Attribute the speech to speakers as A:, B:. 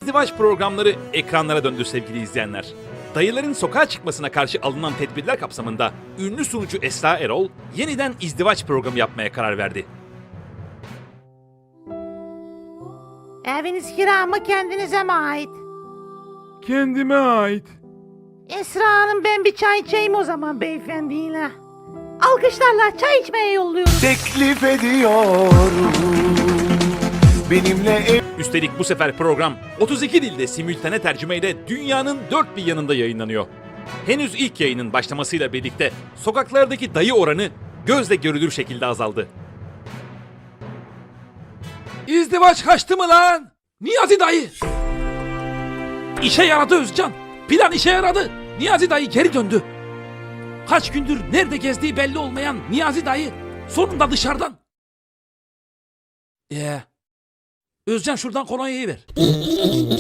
A: İzdivaç programları ekranlara döndü sevgili izleyenler. Dayıların sokağa çıkmasına karşı alınan tedbirler kapsamında ünlü sunucu Esra Erol yeniden izdivaç programı yapmaya karar verdi.
B: Eviniz kira mı kendinize mi ait?
C: Kendime ait.
B: Esra Hanım, ben bir çay içeyim o zaman beyefendiyle. Alkışlarla çay içmeye yolluyorum.
D: Teklif ediyorum benimle ev.
A: Üstelik bu sefer program 32 dilde simültane tercümeyle dünyanın dört bir yanında yayınlanıyor. Henüz ilk yayının başlamasıyla birlikte sokaklardaki dayı oranı gözle görülür şekilde azaldı.
E: İzdivaç kaçtı mı lan? Niyazi dayı. İşe yaradı Özcan. Plan işe yaradı. Niyazi dayı geri döndü. Kaç gündür nerede gezdiği belli olmayan Niyazi dayı sonunda dışarıdan. Özcan şuradan kolonyayı ver.